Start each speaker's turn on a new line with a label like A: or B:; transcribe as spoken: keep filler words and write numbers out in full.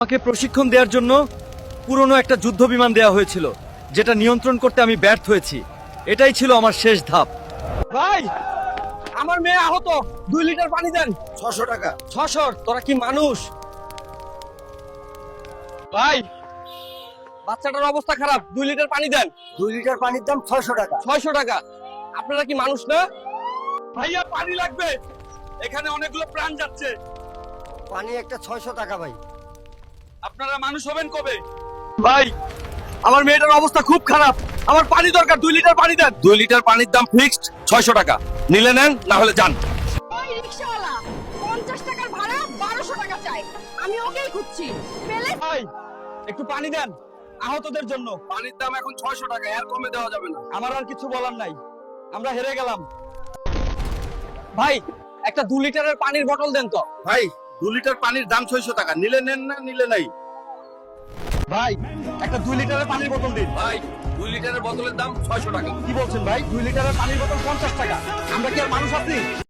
A: আমাকে প্রশিক্ষণ দেওয়ার জন্য পুরনো একটা যুদ্ধ বিমান দেওয়া হয়েছিল, যেটা নিয়ন্ত্রণ করতে আমি ব্যর্থ হয়েছি। এটাই ছিল আমার শেষ ধাপ।
B: ভাই, আমার মেয়ে আহত, দুই লিটার পানি দেন।
C: ছশো টাকা।
B: ছশো? তোরা কি মানুষ? ভাই, বাচ্চাটার অবস্থা খারাপ, দুই লিটার পানি দেন।
C: দুই লিটার পানির দাম ছয়শো টাকা।
B: ছয়শো টাকা? আপনারা কি মানুষ না?
A: ভাইয়া, পানি লাগবে, এখানে অনেকগুলো প্রাণ যাচ্ছে।
C: পানি একটা ছয়শো টাকা ভাই।
A: আপনারা মানুষ হবেন কবে?
B: ভাই, আমার মেয়েটার অবস্থা খুব খারাপ, আমার পানি দরকার, দুই লিটার পানি দেন।
A: দুই লিটার পানির দাম ফিক্সড ছয়শো টাকা। নিলে নেন, না হলে যান।
D: ওই রিকশাওয়ালা পঞ্চাশ টাকার ভাড়া বারোশো টাকা চাই, আমি ওকেই খুঁজছি। পেলে
B: ভাই, একটু পানি দেন আহতদের জন্য।
A: পানির দাম এখন ছয়শো টাকা, আর কমে দেওয়া যাবে না।
B: আমার আর কিছু বলার নাই, আমরা হেরে গেলাম। ভাই, একটা দু লিটারের পানির বোতল দেন তো।
A: ভাই, দু লিটার পানির দাম ছয়শো টাকা, নিলে নেন, না নিলে নাই।
B: ভাই, একটা দুই লিটারের পানির বোতল দিন।
A: ভাই, দুই লিটারের বোতলের দাম ছয়শো টাকা।
B: কি বলছেন ভাই? দুই লিটারের পানির বোতল পঞ্চাশ টাকা? আমরা কি আর মানুষ আপনি?